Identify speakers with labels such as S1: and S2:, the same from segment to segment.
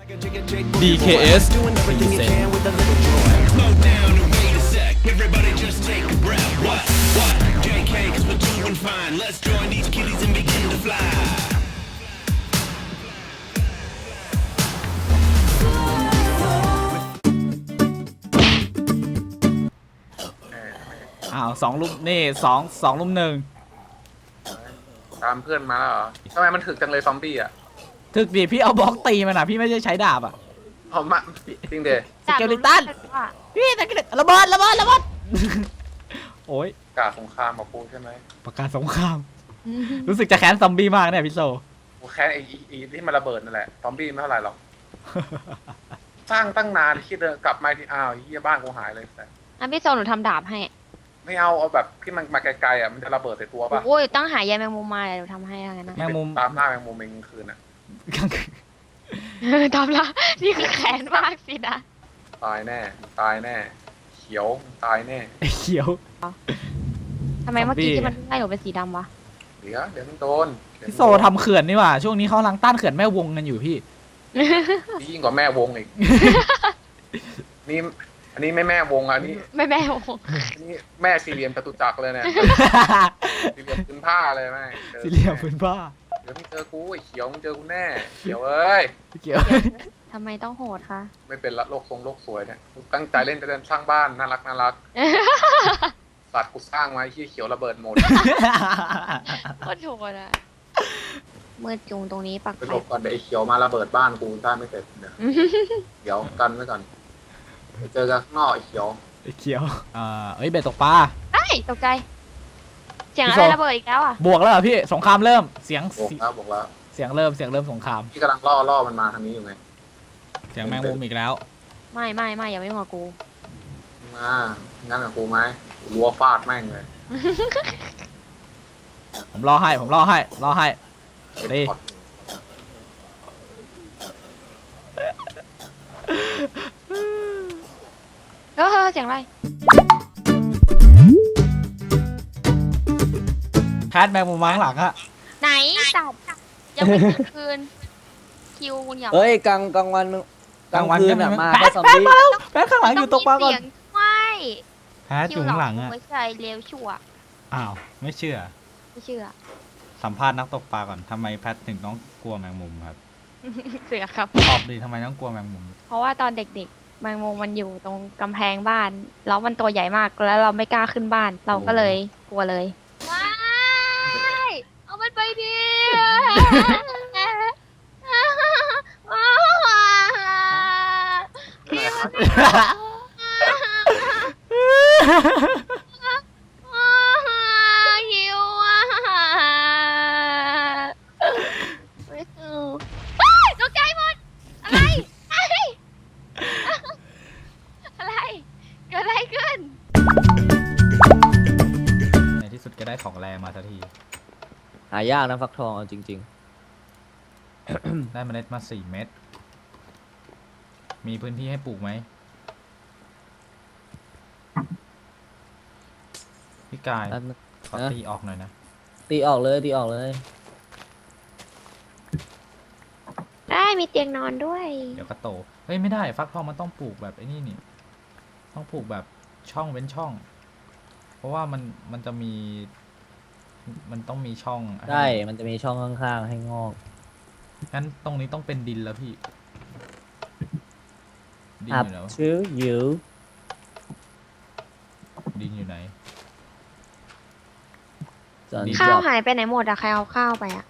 S1: DKS อ้าว2 ลุมนี่2 ลุม 1
S2: ตามเพื่อนมาแล้วเหรอทำไมมันถึกจังเลยซอมบี้อ่ะ
S1: ถึกดิพี่เอาบล็อกตีมันอ่ะพี่ไม่ใช่ใช้ดาบอ่ะ
S2: เอามาจริงเด
S1: สเกลิตันพี่สเกลิตันระเบิดโอ้ย
S2: กาสงครามมาปูใช่ไหม
S1: ประกาศสงครามรู้สึกจะแค้นซอมบี้มากเนี่ยพี่โซ
S2: กูแค่ไอ้ที่มันระเบิดนั่นแหละซอมบี้ไม่เท่าไหร่หรอกสร้างตั้งนานคิดเดินกลับมาที่อ้าวเฮียบ้านกูหายเลยแต่
S3: พี่โซหนูทำดาบให้
S2: ไม่เอาแบบที่มันมาไกลๆอ่ะมันจะระเบิดใส่ตัวป่ะ
S3: โอ้ยตั้งหายายแมงมุมมาเดี๋ยวหนูทำให้อะไรนะ
S1: แมงมุม
S2: ตามหน้าแมงมุมเองคืนอ่ะ
S3: ทำละนี่คือแขนมากสินะ
S2: ตายแน่ตายแน่เขียวตายแน่
S1: ไอ้เขียว
S3: ทำไมเมื่อกี้
S1: ซอมบี้
S3: ที่มันไล่หนูเป็นสีดำวะ
S2: เดี๋ยวมันโดน
S1: พี่โซทำเขื่อนนี่หว่าช่วงนี้เขากำลังต้านเขื่อนแม่วงกันอยู่พี่
S2: ยิ่งกว่าแม่วงอีกนี่อันนี้ไม่แม่วงอ่ะนี่
S3: ไม่แม่โอ้
S2: อันนี้แม่สี่เหลี่ยมจตุจักรเลยเนี่ยสี่เหลี่ยมพื้นผ้าเลยแม่จอ
S1: สี่เหลี่ยมพื้นผ้า
S2: เดี๋ยวมึงเจอกูไอ้เขียวมึงเจอกูแน่เขียวเอ้ย
S1: เขียว
S3: ทำไมต้องโหดคะ
S2: ไม่เป็นละโลกทรงโลกสวยเนี่ยกูตั้งใจเล่นจะเดินสร้างบ้านน่ารักสัตว์กูสร้างมาไอ้เขียวระเบิดหมด
S3: โคตรโหดอะมืดจุงตรงนี้ปัก
S2: ไป
S3: ไฟ
S2: หลบก่อนเดี๋ยวไอ้เขียวมาระเบิดบ้านกูสร้างไม่เสร็จเดี๋ยวกันไว้ก่อนไปเจอกันข้างนอกไอ้เขียว
S1: ไอ้เขียวเอ้ยเบ็ดตกปลา
S3: ไอ้ตกใจ เสียงอะไรระเบิดอีกแล้วอ่ะ
S1: บวกแล้วเหรอพี่สงครามเริ่มเสียง
S2: บอกแล้ว
S1: เสียงเริ่มสงคราม
S2: พี่กำลังล่อมันมาทางนี้อยู่ไง
S1: เสียงแมงมุมอีกแล้ว
S3: ไม่อย่าไม่หัวกู
S2: มางั้นกับกูไหมรัวฟาดแม่งเลย
S1: ผมรอให้ดี
S3: เสียงอะไร
S1: แคทแมงมุมมาข้างหลังอะ
S3: ไหนจับยังไม่ถึงคืนคิวคุณอย่า
S4: เฮ้ยกลางวันมึงกลางคืนอะมา
S1: แพ
S4: แค่
S1: ท
S4: ซอม
S1: แพท
S4: บี้
S1: มาแล้วแพทข้างหลังอยู่ตกปลาก่อน
S3: เสียงไม่
S1: แพทอยู่ข้างหลังอะ
S3: ไม่ใช่เลวชั่ว
S1: อ้าวไม่เชื่อ
S3: ไม่เชื่อ
S1: สัมภาษณ์นักตกปลาก่อนทำไมแพทถึงต้องกลัวแมงมุมครับ
S3: เสือครับ
S1: ตอบดีทำไมต้องกลัวแมงมุม
S3: เพราะว่าตอนเด็กๆแมงมุมมันอยู่ตรงกำแพงบ้าน แล้วมันตัวใหญ่มากแล้วเราไม่กล้าขึ้นบ้าน เราก็เลยกลัวเลยว้ายเอามันไปดิหิวอ่ะไม่เอาตกใจหมดอะไรอะไรเกิดอะไรขึ้น
S1: ในที่สุดก็ได้ของแรงมาสักที
S4: หายากนะฟักทองเอาจริง
S1: ได้เมล็ดมา4 เม็ดมีพื้นที่ให้ปลูกไหมพี่กาย
S4: ๆแป๊บนึง
S1: ขอตีออกหน่อยนะ
S4: ตีออกเลย
S3: ได้มีเตียงนอนด้วย
S1: เดี๋ยวก็โตเฮ้ยไม่ได้ฟักทองมันต้องปลูกแบบไอ้นี่นี่ต้องปลูกแบบช่องเว้นช่อง เพราะว่ามันจะมีมันต้องมีช่อง
S4: ได้ มันจะมีช่องข้างๆให้งอก
S1: งั้นตรงนี้ต้องเป็นดินแล้วพี่ดิน
S4: up
S1: อยู่แล้ว
S4: to you
S1: ดินอยู่ไหน
S4: John
S1: ดี
S3: ข้าว
S4: Job
S3: หายไปไหนหมดอะใครเอาข้าวไปอะ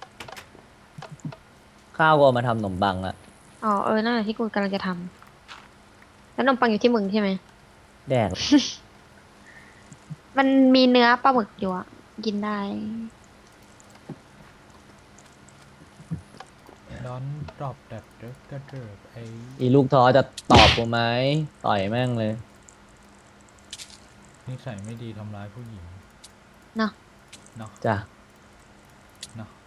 S4: ข้าวก็เอามาทำขนมบังละ
S3: อ๋อนั่นแหละที่กูกำลังจะทำแล้วขนมปังอยู่ที่มึงใช่ไหม
S4: แดก
S3: มันมีเนื้อปลาหมึกอยู่อะกินได้
S1: ดอนดรอปแบบเดิร์กเดิร์กไอ้
S4: อีลูกท้อจะตอบกูไหมต่อยแม่งเลย
S1: นิสัยไม่ดีทำร้ายผู้หญิง
S3: เนาะ
S1: เนาะ
S4: จ้ะ
S1: เนาะ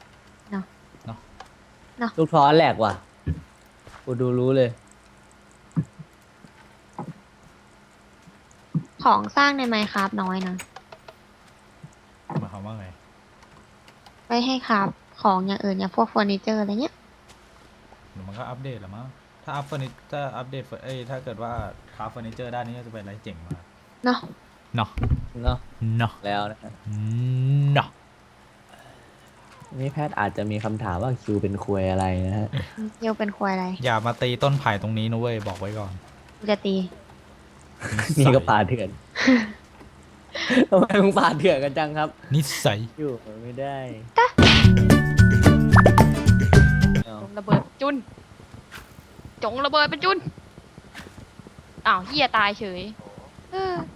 S4: ลูกท้อแหลกว่ะ กูดูรู้เลย
S3: ของสร้างในไมค์ครับน้อยนะ
S1: หมายความว่าไง
S3: ไปให้ครับของอย่างอื่นอย่างพวกเฟอร์นิเจอร์อะไรเงี้ย
S1: หรือมันมันก็อัปเดตแหละมั้งถ้าอัปเดตถ้าเกิดว่าคราฟเฟอร์นิเจอร์ด้านนี้จะเป็นอะไรเจ๋งมาก
S3: เนาะ
S1: เนาะ
S4: เนาะ
S1: เนาะ
S4: แล้วนะ
S1: เนาะ
S4: นี่แพทย์อาจจะมีคำถามว่าคิวเป็นควยอะไรนะฮะ
S3: เกียวเป็นควายอะไร
S1: อย่ามาตีต้นไผ่ตรงนี้นะเว้ยบอกไว้ก่อน
S3: กูจะตี
S4: นี่ก็ป่าเถื่อน ทำไมมึงป่าเถื่อนกันจังครับ
S1: นิสัย
S4: อยู่ไม่ได้
S3: จงระเบิดจุน จงระเบิดเป็นจุน อ้าวเฮียตายเฉยเออ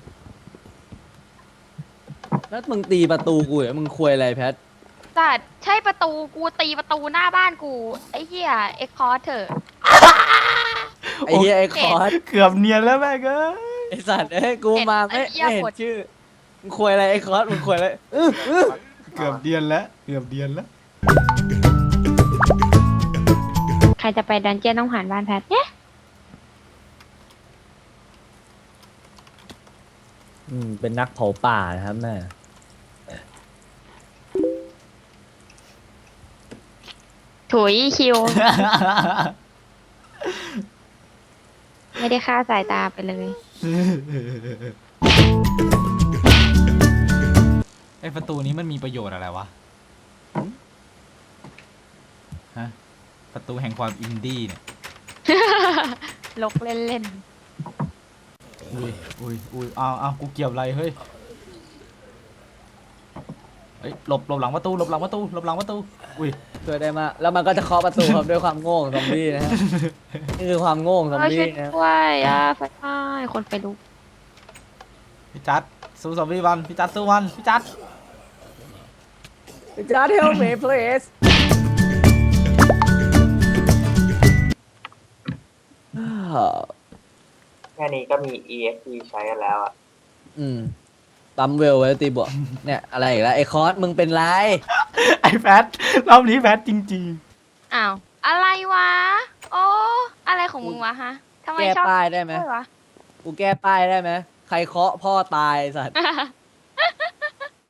S4: แล้วมึงตีประตูกูเหรอมึงควยอะไรแพท
S3: สัตว์ใช่ประตูกูตีประตูหน้าบ้านกู ไอ้เฮียเอ็กคอร์เถอะ
S4: ไอ้เหี้ยไอ้คอร์ส
S1: เกือบเนียนแล้วแม่งเอ้ย
S4: ไอ้สัตว์เอ้ยกูมาไม่
S3: ไอ้เหี้ย
S4: เห็น
S3: กด
S4: ชื่อมึงควยอะไรไอ้คอร์สมึงควยอะไร
S1: เกือบเดียนแล้วเกือบเดียนแล้ว
S3: ใครจะไปดันเจี้ยนต้องผ่านบ้านแพทเนี่ย
S4: เป็นนักเผาป่านะครับแม่
S3: ถุยคิว ไม่ได้ฆ่าสายตาไปเลย
S1: ไอประตูนี้มันมีประโยชน์อะไรวะฮะประตูแห่งความอินดี้เนี่ย
S3: ลกเล่น
S1: อุ้ยเอากูเกี่ยวอะไรเฮ้ยหลบหลังประตูหลบหลังประตูอุ้ย
S4: ช่วยได้มากแล้วมันก็จะเคาะประตูครับด้วยความโง่ของซอมบี้นะฮะนี่คือความโง่ของ
S3: ๆ
S4: ซอม
S3: ช่วย
S4: บี้นะ
S3: ด้วยไฟไหม้คนไปลุก
S1: พี่จัดสู้ซอมบี้วันพี่จัดสู้วันพี่จัด
S4: Just help me please
S5: แค่นี้ก็มี EXP ใช้กันแล้วอ่ะ
S4: ปั๊มเวลไว้ตีบวกเนี่ยอะไรอีกแล้วไอ้คอร์สมึงเป็นไร
S1: ไอแพทรอบนี้แพทจริง
S3: อ้าว อะไรวะ โอ้ อะไรของมึงวะฮะทำไม
S4: แก้
S3: ชอบ
S4: ป้ายได้ไหม
S3: ด้วยวะ
S4: กูแก้ป้ายได้ไหมใครเคาะพ่อตายสัตว์